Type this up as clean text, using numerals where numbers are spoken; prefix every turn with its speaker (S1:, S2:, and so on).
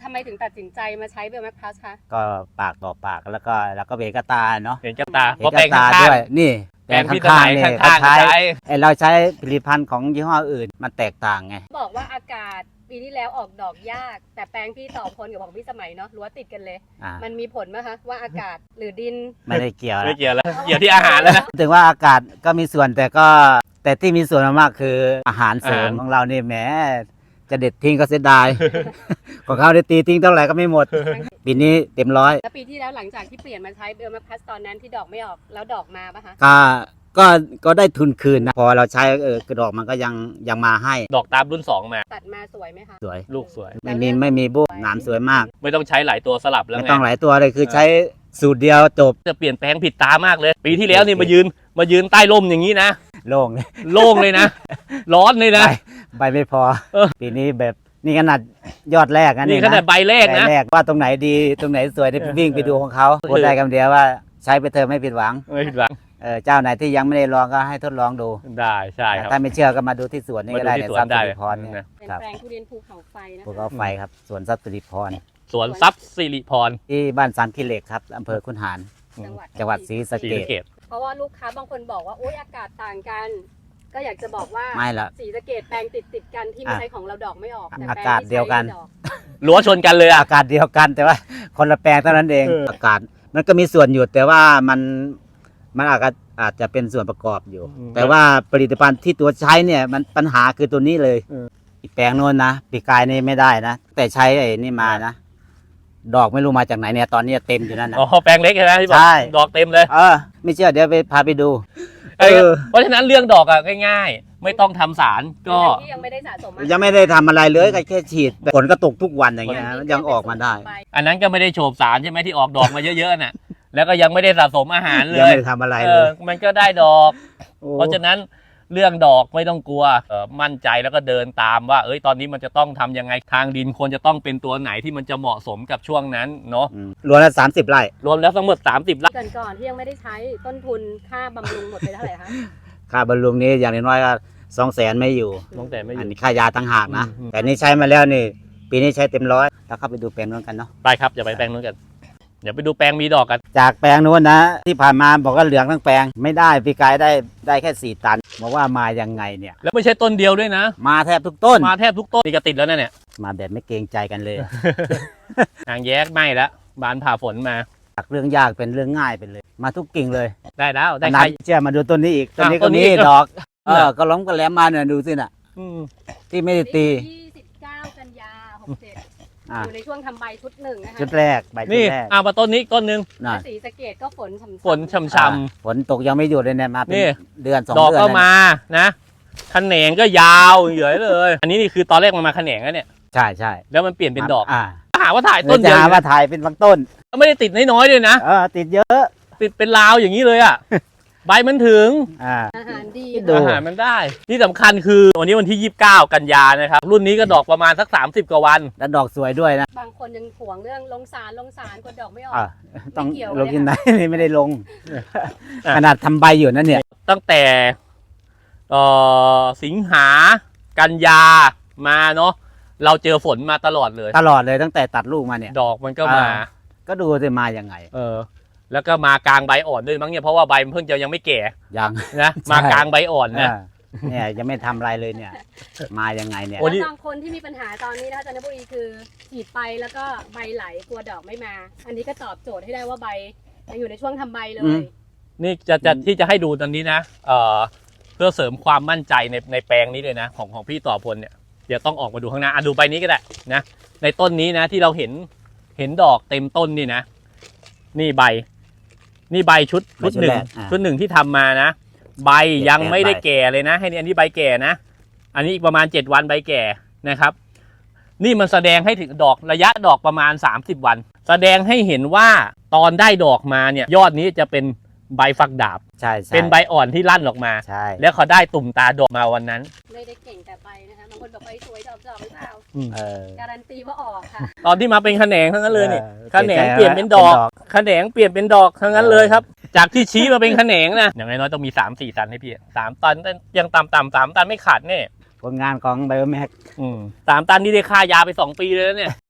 S1: ไมถึงตัดสินใจมาใช้เบลแมคพลัสคะ
S2: ก็ปากต่อปากแล้วก็เห็นกระตาเนาะ
S3: เห็นกับตา
S2: เห็นกระตาด้วยนี่
S3: แปลงพี่สมัยข้างๆ
S2: ใช้
S3: ใช้
S2: เราใช้ผลิตภัณฑ์ของยี่ห้ออื่นมันแตกต่างไง
S1: บอกว่าอากาศปีที่แล้วออกดอกยาก แต่แปลงพี่ต่อพลกับของพี่สมัยเนาะรั้วติดกันเลย มันมีผลไหมคะว่าอากาศหรือดิน
S2: ไม่ได้เกี่ยว
S3: ไม่เกี่ยวแล้วเกี่ยวที่อาหารแล้วนะ
S2: ถึงว่าอากาศก็มีส่วนแต่ที่มีส่วนมากคืออาหารเสริมของเรานี่แหมจะเด็ดทิ้งก็เสียดาย ของเขาได้ตีทิ้งเท่าไหร่ก็ไม่หมด ปีนี้เต็มร้อย
S1: แล้วปีที่แล้วหลังจากที่เปลี่ยนมาใช้เบลแมคพลัสตอนนั้นที่ดอกไม่ออกแล้วดอกมาปะคะ
S2: ก็ได้ทุนคืนนะพอเราใช้กระดอกมันก็ยังมาให้
S3: ดอกตามรุ่น 2 มา
S1: ตัดมาสวยไหมคะ
S2: สวย
S3: ลูกสวย
S2: ไม่มีบุ้หนามสวยมาก
S3: ไม่ต้องใช้หลายตัวสลับแล้ว
S2: ไม่
S3: ไง
S2: ต้องหลายตัวเลยคือใช้สูตรเดียวจบ
S3: จะเปลี่ยนแปลงผิดตามากเลย ปีที่แล้วนี่มายืนใต้ร่มอย่างนี้นะ
S2: โล่งเลย
S3: โล่งเลยนะ ร้อนเลยนะ
S2: ใบไม่พอ
S3: เออ
S2: ปีนี้แบบนี่ขนาดยอดแรกนะ
S3: นี่ขนาดใบแรกนะ
S2: ใบแรกว่าตรงไหนดีตรงไหนสวยได้วิ่งไปดูของเขาพูดได้คำเดียวว่าใช้ไปเถอะไม่ผิดหวัง
S3: ไม่ผิดหวัง
S2: เจ้าไหนที่ยังไม่ได้ลองก็ให้ทดลองดู
S3: ได้ใช่ครับ
S2: ถ้าไม่เชื่อก็มาดูที่สวนนี่ก็ได้
S3: มาดูที่
S2: เนี่ย
S3: สวน
S2: ทรัพย์
S3: ได้
S2: สิริพรเนี่ย
S1: เป็น
S2: ครับ
S1: แปลงทุเรียนภูเขาไฟนะคะ
S2: ภูเขาไฟครับสวนทรัพย์สิริพร
S3: สวนทรัพย์สิริพร
S2: ที่บ้านสามกิเหล็กครับอำเภอคุนหาร จังหวัดศรีสะ
S3: ศรี
S2: เก
S3: สะเก
S2: ษ
S3: ษ
S1: เพราะว่าลูกค้าบางคนบอกว่าโอ๊ยอากาศต่างกัน ก็อยากจะบอกว่า
S2: ไม่ละ
S1: ศรีสะเกษแปลงติดกันที่ไม่ใช้ของเราดอกไม่ออกแต่แปลง
S2: อากาศเดียวกัน
S1: ที่ใช้ดอ
S3: รั้วชนกันเลยอ่ะ
S2: อากาศเดียวกันแต่ว่าคนละแปลงเท่านั้นเอง อากาศมันก็มีส่วนอยู่แต่ว่ามันอาจจะเป็นส่วนประกอบอยู่ แต่ว่าผลิตภัณฑ์ที่ตัวใช้เนี่ยมันปัญหาคือตัวนี้เลยอีกแปลงโน้นนะปีกายนี่ไม่ได้นะแต่ใช้ไอ้นี่มานะดอกไม่รู้มาจากไหนเนี่ยตอนนี้เต็มอยู่นั่นนะ
S3: อ๋อแปลงเล็กใช่ไหมที่บอก
S2: ใช่
S3: ดอกเต็มเลย
S2: ไม่เชื่อเดี๋ยวพาไปดู
S3: เพราะฉะนั้นเรื่องดอกอ่ะง่ายๆ ไม่ต้องทำสารก็
S1: ที่ยังไม่ได้สะสมอาหาร
S2: ยังไม่ได้ทำอะไรเลยก็แค่ฉีดฝนก็ตกทุกวันอย่างเงี้ยยังออกมาได้
S3: อันนั้นก็ไม่ได้โฉบสารใช่ไหมที่ออกดอกมาเยอะๆน่ะ แล้วก็ยังไม่ได้สะสมอาหารเล
S2: ยัง
S3: ย
S2: ไม่ได้ทำอะไรเลย
S3: มันก็ได้ดอก
S2: โอ้
S3: เพราะฉะนั้นเรื่องดอกไม่ต้องกลัวมั่นใจแล้วก็เดินตามว่าตอนนี้มันจะต้องทำยังไงทางดินควรจะต้องเป็นตัวไหนที่มันจะเหมาะสมกับช่วงนั้นเนาะ
S2: รวมแล้ว30 ไร่
S3: รวมแล้วทั้งหมด30 ไร่
S1: ก่อนที่ยังไม่ได้ใช้ต้นทุนค่าบำรุงหมดไปเท่าไหร่คะ
S2: ค่าบำรุงนี้อย่างน้อยๆก็200,000ไม่อยู่
S3: ตั้งแต่ไม่อ
S2: อัน
S3: ยู่
S2: นี้ค่ายาต่างหากนะ
S3: อืม
S2: แต่นี่ใช้มาแล้วนี่ ปีนี้ใช้เต็มร้อยแล้วเข้าไปดูแปลงนู้นกันเนาะ
S3: ไปครับอย่าไปแปลงนู้นกันเดี๋ยวไปดูแปลงมีดอกกัน
S2: จากแปลงนู้นนะ ที่ผ่านมาบอกว่าเหลืองทั้งแปลงไม่ได้ปีกายได้แค่4 ตันบอกว่ามายังไงเนี่ย
S3: แล้วไม่ใช่ต้นเดียวด้วยนะ
S2: มาแทบทุกต้น
S3: มาแทบทุกต้นนี่ก็ติดแล้วนะเนี่ย
S2: มาแบบไม่เกรงใจกันเลย
S3: หางแยกไหม้แล้วบานผ่าฝนมา
S2: จากเรื่องยากเป็นเรื่องง่ายไปเลย มาทุกกิ่งเลย
S3: ได้แล้วได้
S2: ข
S3: ใค
S2: นาร ดเชื่อมาดูต้นนี้อีกต้นนี้
S3: ต้
S2: ก็
S3: นนี้
S2: มี
S3: อีก
S2: ดอกก็ล้มก็แหลมมาเนี่ยดูสิน่ะ
S3: อืม
S2: ที่ไม่ได้ตี
S1: 29 กันยา 67
S2: อ่ะ
S1: อยู่ในช่วงทำใบชุดหนึ่งนะคะ
S2: ชุดแรกใบชุ
S3: นี่
S2: ดแรก
S3: มาต้นนี้อีกต้นนึง
S2: น่ะ
S1: และศรีสะเกษก็ฝนฉ่ำๆ
S3: ฝนช่ำ
S2: ฝนตกยังไม่หยุดเลยเนี่ยมาเป็น
S3: นี่
S2: เดือน2
S3: ดอก
S2: เดือน
S3: ก็
S2: แล้ว
S3: มานะแขนงก็ยาวเหยื่อยเลย อันนี้นี่คือตอนแรกมันมาแขนงแล้วเนี่ย
S2: ใช่ใช่
S3: แล้วมันเปลี่ยนเป็นดอก
S2: อ่า
S3: หาว่าถ่าย
S2: ต้
S3: ต้
S2: น
S3: น
S2: จะ
S3: เดียว
S2: หา
S3: อยู่
S2: ว่า
S3: นะ
S2: ถ่ายเป็นบางต้น
S3: ไม่ได้ติดน้อยๆด้วยนะ
S2: ติดเยอะ
S3: ติดเป็นลาวอย่างนี้เลยอ่ะ ใบมันถึง
S1: อาหารดี
S2: ดู
S3: อาหารมันได้ ที่สำคัญคือวันนี้วันที่ 29 กันยานะครับ รุ่นนี้ก็ดอกประมาณสัก 30 กว่าวัน
S2: แล้วดอกสวยด้วยนะ
S1: บางคนยังห่วงเรื่องลงสารกดดอกไม่ออก
S2: ต้อง
S1: ไม่เกี่ยว
S2: ลง
S1: เลย
S2: ที่ไหน
S1: ค่ะ
S2: นี่ไม่ได้ลง
S3: อ่ะ
S2: ขนาดทำใบอยู่นั่นเนี่ย
S3: ตั้งแต่สิงหากันยามาเนาะเราเจอฝนมาตลอดเลย
S2: ตลอดเลยตั้งแต่ตัดลูกมาเนี่ย
S3: ดอกมันก็มา
S2: ก็ดูจะมายังไง
S3: แล้วก็มากลางใบอ่อนด้วยมั้งเนี่ยเพราะว่าใบมันเพิ่งจะยังไม่แก่
S2: ยัง
S3: นะ
S2: ใช่
S3: มากลางใบอ่อนนะ
S2: เนี่ยยังไม่ทำอะไรเลยเนี่ย มายังไงเนี่ย
S3: โอ้
S1: แล้วบางคนที่มีปัญหาตอนนี้นะคะจันทบุรีคือฉีดไปแล้วก็ใบไหลกลัวดอกไม่มา อันนี้ก็ตอบโจทย์ให้ได้ว่าใบยังอยู่ในช่วงทำใบเลย
S3: นี่ที่จะให้ดูตอนนี้นะเพื่อเสริมความมั่นใจในแปลงนี้เลยนะของพี่ต่อพลเนี่ยเดี๋ยวต้องออกมาดูข้างหน้าดูใบนี้ก็ได้นะในต้นนี้นะที่เราเห็นดอกเต็มต้นนี่นะนี่ใบชุดหนึ่งชุดหนึ่งที่ทำมานะใบยังไม่ได้แก่เลยนะให้อันนี้ใบแก่นะอันนี้อีกประมาณ7 วันใบแก่นะครับนี่มันแสดงให้ถึงดอกระยะดอกประมาณ30 วันแสดงให้เห็นว่าตอนได้ดอกมาเนี่ยยอดนี้จะเป็นใบฝักดาบ
S2: ใช่
S3: เป็นใบอ่อนที่ลั่นออกมา
S2: ใช่
S3: แล้วเขาได้ตุ่มตาดอกมาวันนั้น
S1: ไม่ได้เก่งแต่ใบนะคะบางคนบอกใบสวยดอกหรือเปล่า การันตีว่าออกค่ะ
S3: ตอนที่มาเป็นแขนงทั้งนั้นเลยนี่
S2: เออ
S3: แขนงเปลี่ยนเป็นดอกแขนงเปลี่ยนเป็นดอกทั้งนั้นเลยครับ จากที่ชี้มาเป็นแขนงนะอย่างน้อยๆต้องมี3-4 ตันให้พี่3 ตันยังต่ำ3 ตันไม่ขาดแน่
S2: ผลงานของไบโอแม็ก
S3: 3 ตันนี่ได้ค่ายาไป2 ปีเลยนะเนี่ย